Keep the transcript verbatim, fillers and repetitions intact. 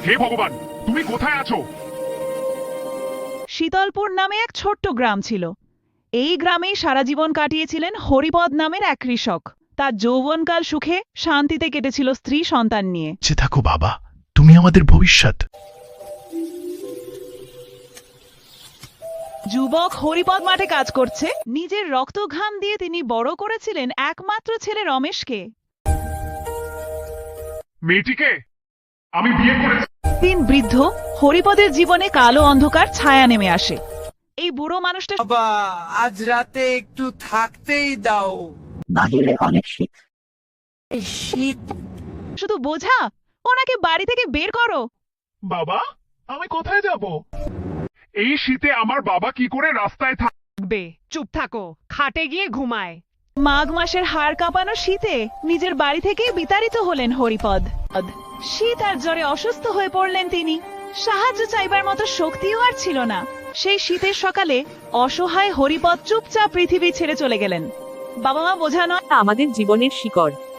হে ভগবান, তুমি কোথায় আছো? শীতলপুর নামে এক ছোট্ট গ্রাম ছিল। এই গ্রামেই সারা জীবন কাটিয়েছিলেন হরিপদ নামের এক কৃষক। তার যৌবনকাল সুখে শান্তিতে কেটেছিল স্ত্রী সন্তান নিয়ে। যে থাকো বাবা, তুমি আমাদের ভবিষ্যৎ। যুবক হরিপদ মাঠে কাজ করছে। নিজের রক্ত ঘাম দিয়ে তিনি বড় করেছিলেন একমাত্র ছেলে রমেশকে। মেয়েটিকে আমি বিয়ে করেছি। দিন বৃদ্ধ হরিপদের জীবনে কালো অন্ধকার ছায়া নেমে আসে। এই বুড়ো মানুষটা বাবা, আজ রাতে একটু থাকতেই দাও। বাহিরে অনেক শীত। এই শীত শুধু বোঝা, ওনাকে বাড়ি থেকে বের করো। বাবা, আমি কোথায় যাব? এই শীতে আমার বাবা কি করে রাস্তায় থাক? বে চুপ থাকো, খাটে গিয়ে ঘুমায়। মাঘ মাসের হাড় কাঁপানো শীতে নিজের বাড়ি থেকে বিতাড়িত হলেন হরিপদ। শীত আর জ্বরে অসুস্থ হয়ে পড়লেন তিনি। সাহায্য চাইবার মতো শক্তিও আর ছিল না। সেই শীতের সকালে অসহায় হরিপদ চুপচাপ পৃথিবী ছেড়ে চলে গেলেন। বাবা মা বোঝা নয়, আমাদের জীবনের শিকড়।